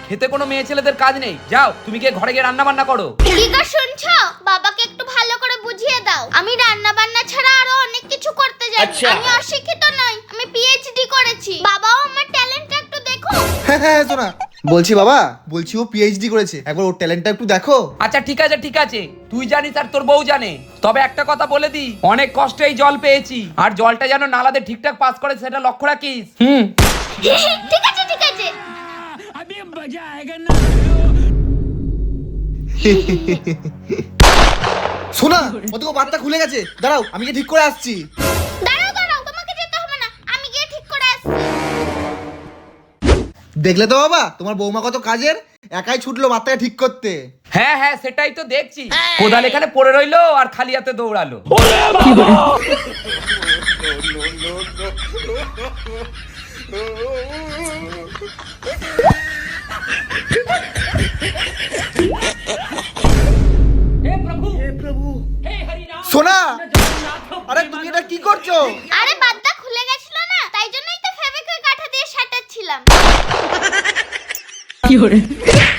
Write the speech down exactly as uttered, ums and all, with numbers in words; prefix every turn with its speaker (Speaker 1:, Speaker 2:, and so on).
Speaker 1: খেতে কোনো মেয়ে ছেলেদের কাজ নেই। যাও তুমি গিয়ে ঘরে গিয়ে রান্না বান্না করো।
Speaker 2: কি গো শুনছো? বাবাকে একটু ভালো করে বুঝিয়ে দাও। আমি রান্না বান্না ছাড়া আরো অনেক কিছু করতে জানি। আমি অশিক্ষিত নই, আমি পিএইচডি করেছি। বাবাও আমার ট্যালেন্টটা একটু দেখো।
Speaker 3: হ্যাঁ হ্যাঁ শোনা, বলছি বাবা, বলছি ও পিএইচডি করেছে, একবার ওর ট্যালেন্টটা একটু দেখো।
Speaker 1: আচ্ছা ঠিক আছে ঠিক আছে, তুই জানিস আর তোর বউ জানে। তবে একটা কথা বলে দি, অনেক কষ্টে এই জল পেয়েছি, আর জলটা যেন নালাতে ঠিকঠাক পাস করে সেটা লক্ষ্য রাখিস। হুম
Speaker 2: ঠিক আছে ঠিক আছে।
Speaker 3: শোনা, ওদিকে বাতটা খুলে গেছে, দাঁড়াও আমি গিয়ে ঠিক করে আসছি।
Speaker 2: দাঁড়াও দাঁড়াও, তোমাকে যেতে হবে না, আমি গিয়ে ঠিক করে আসছি।
Speaker 3: দেখলে তো বাবা, তোমার বৌমা কত কাজের, একাই ছুটলো বাতটাকে ঠিক করতে।
Speaker 1: হ্যাঁ হ্যাঁ সেটাই তো দেখছি, কোদাল এখানে পড়ে রইলো আর খালি হাতে দৌড়ালো।
Speaker 3: সোনা, আরে তুমি এটা কি করছো?
Speaker 2: আরে বাদদা খুলে গেছিল না, তাই জন্যই তো ফেভিকুইক আঠা দিয়ে সাটাচ্ছিলাম।
Speaker 4: কি হরে